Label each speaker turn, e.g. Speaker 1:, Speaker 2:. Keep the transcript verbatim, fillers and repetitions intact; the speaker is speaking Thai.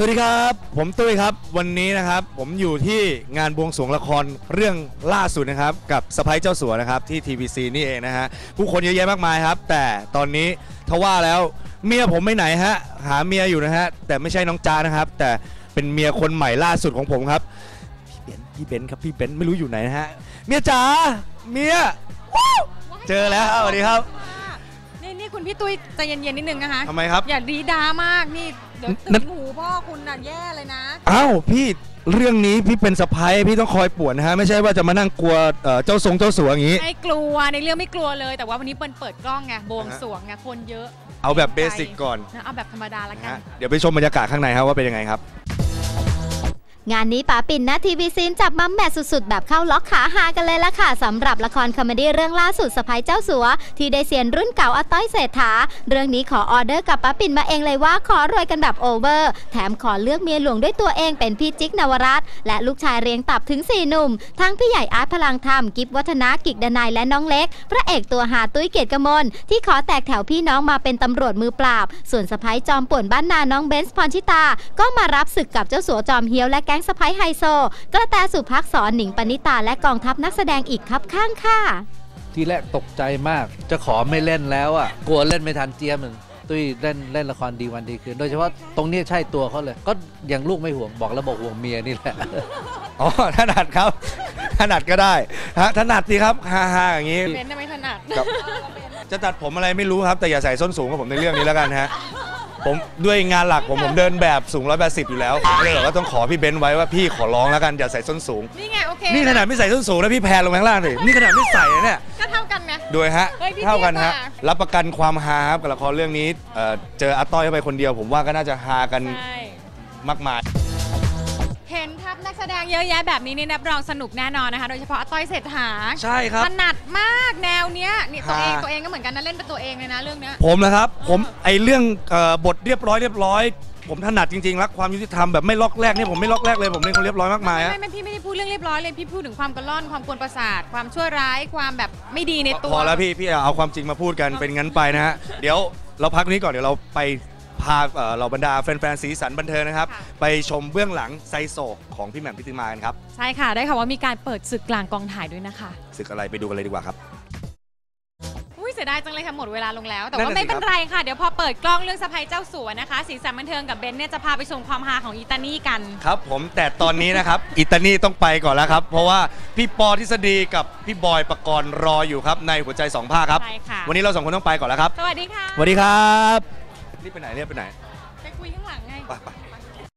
Speaker 1: วัสดีครับผมตุ้ยครับวันนี้นะครับผมอยู่ที่งานบวงสรวงละครเรื่องล่าสุดนะครับกับสะใภ้เจ้าสัวนะครับที่ ที วี ซี นี่เองนะฮะผู้คนเยอะแยะมากมายครับแต่ตอนนี้ทว่าแล้วเมียผมไม่ไหนฮะหาเมียอยู่นะฮะแต่ไม่ใช่น้องจ้านะครับแต่เป็นเมียคนใหม่ล่าสุดของผมครับพี่เบนซ์พี่เบนซ์ครับพี่เบนซ์ไม่รู้อยู่ไหนนะฮะเมียจ๋าเมียเจอแล้วสวัสดีครับ
Speaker 2: นี่นี่คุณพี่ตุ้ยใจเย็นๆนิดนึงนะคะ
Speaker 1: ทำไมครับ
Speaker 2: อย่าดีดามากนี่เดี๋ยวตื่นหูพ่อคุณน่ะแย่เลยนะ
Speaker 1: อ้าวพี่เรื่องนี้พี่เป็นสะใภ้พี่ต้องคอยป่วนนะฮะไม่ใช่ว่าจะมานั่งกลัวเจ้าทรงเจ้าสัวอย่างนี้
Speaker 2: ไม่กลัวในเรื่องไม่กลัวเลยแต่ว่าวันนี้เปิดเปิดกล้องไงบวงสรวงไงคนเยอะ
Speaker 1: เอาแบบเบสิกก่อน
Speaker 2: นะเอาแบบธรรมดาละกัน
Speaker 1: เดี๋ยวไปชมบรรยากาศข้างในครับว่าเป็นยังไงครับ
Speaker 3: งานนี้ป๋าปิ่นนะทีวีซีนจับมัมแมทสุดๆแบบเข้าล็อกขาหากันเลยละค่ะสำหรับละครคอมเมดี้เรื่องล่าสุดสะใภ้เจ้าสัวที่ได้เซียนรุ่นเก่าอาต้อยเศรษฐาเรื่องนี้ขอออเดอร์กับป๋าปิ่นมาเองเลยว่าขอรวยกันแบบโอเวอร์แถมขอเลือกเมียหลวงด้วยตัวเองเป็นพี่จิ๊กนวรัตน์และลูกชายเรียงตับถึงสี่หนุ่มทั้งพี่ใหญ่อาร์ตพลังธรรมกิฟวัฒนากิกดนายและน้องเล็กพระเอกตัวหาตุ้ยเกียรติกมลที่ขอแตกแถวพี่น้องมาเป็นตำรวจมือปราบส่วนสะใภ้จอมป่วนบ้านนาน้องเบนซ์พรชิตาก็มารับศึกกับเจ้าสัวจอมเฮี้ยวและแก๊งสะใภ้ไฮโซกระแตสุภักษรหนิงปณิตาและกองทัพนักแสดงอีกครับข้างค่ะ
Speaker 4: ทีแรกตกใจมากจะขอไม่เล่นแล้วอ่ะกลัวเล่นไม่ทันเจี๊ยบมันตุ้ยเล่นเล่นละครดีวันดีคืนโดยเฉพาะตรงนี้ใช่ตัวเขาเลยก็อย่างลูกไม่ห่วงบอกแล้วบอกห่วงเมียนี่แหละ
Speaker 1: อ๋อถนัดครับถนัดก็ได้ฮะถนัดสิครับฮ่าๆอย่างนี้
Speaker 2: เป็นไม่ถนัด
Speaker 1: จะตัดผมอะไรไม่รู้ครับแต่อย่าใส่ส้นสูงกับผมในเรื่องนี้แล้วกันฮะผมด้วยงานหลักผมผมเดินแบบสูงร้อยแปดสิบอยู่แล้วเลยบอกว่าต้องขอพี่เบนซ์ไว้ว่าพี่ขอร้องแล้วกันอย่าใส่ส้นสูง
Speaker 2: นี่ไงโอเค
Speaker 1: นี่ขนาดไม่ใส่ส้นสูงแล้วพี่แพนลงข้างล่างเลยนี่ขนาดไม่ใส่เนี่ย
Speaker 2: ก็เท่ากันนะ
Speaker 1: ด้วยฮะเท่ากันฮะรับประกันความฮาครับกับละครเรื่องนี้เจออาต้อยเข้าไปคนเดียวผมว่าก็น่าจะฮากันมากมาย
Speaker 2: เห็นทัพนักแสดงเยอะแยะแบบนี้นี่รับรองสนุกแน่นอนนะคะโดยเฉพาะอาต้อยเศรษฐา
Speaker 1: ใช่ครับ
Speaker 2: ถนัดมากแนวเนี้ยนี่ตัวเองตัวเองก็เหมือนกันนะเล่นเป็นตัวเองเลยนะเรื่องเนี้ย
Speaker 1: ผมนะครับผมไอเรื่องบทเรียบร้อยเรียบร้อยผมถนัดจริงๆรักความยุติธรรมแบบไม่ล็อกแรกนี่ผมไม่ล็อกแรกเลยผมเป็นคนเรียบร้อยมากมาย
Speaker 2: ไม่ไม่พี่ไม่ได้พูดเรื่องเรียบร้อยเลยพี่พูดถึงความกระล่อนความกวนประสาทความชั่วร้ายความแบบไม่ดีในตัว
Speaker 1: พอแล้วพี่พี่เอาความจริงมาพูดกันเป็นงั้นไปนะฮะเดี๋ยวเราพักนี้ก่อนเดี๋ยวเราไปพาเราบรรดาแฟนๆสีสันบันเทิงนะครับไปชมเบื้องหลังไซโศกของพี่แหม่มพิติมากันครับ
Speaker 2: ใช่ค่ะได้ค่ะว่ามีการเปิดศึกกลางกองถ่ายด้วยนะคะ
Speaker 1: ศึกอะไรไปดูกันเลยดีกว่าครับ
Speaker 2: อุ้ยเสียดายจังเลยค่ะหมดเวลาลงแล้วแต่ว่าไม่เป็นไรค่ะเดี๋ยวพอเปิดกล้องเรื่องสะใภ้เจ้าสัวนะคะสีสันบันเทิงกับเบนเนี่ยจะพาไปชมความฮาของอีตานี่กัน
Speaker 1: ครับผมแต่ตอนนี้นะครับอีตานี่ต้องไปก่อนแล้วครับเพราะว่าพี่ปอทฤษฎีกับพี่บอยปกรณ์รออยู่ครับในหัวใจสองภาคครับ
Speaker 2: ใช่ค่ะ
Speaker 1: วันนี้เราสองคนต้องไปก่อนแล้วครับ
Speaker 2: สวัสดีค่ะ
Speaker 1: สวัสดีครับรีบไปไหนรีบไปไหน
Speaker 2: ไปคุยข้างหลังไง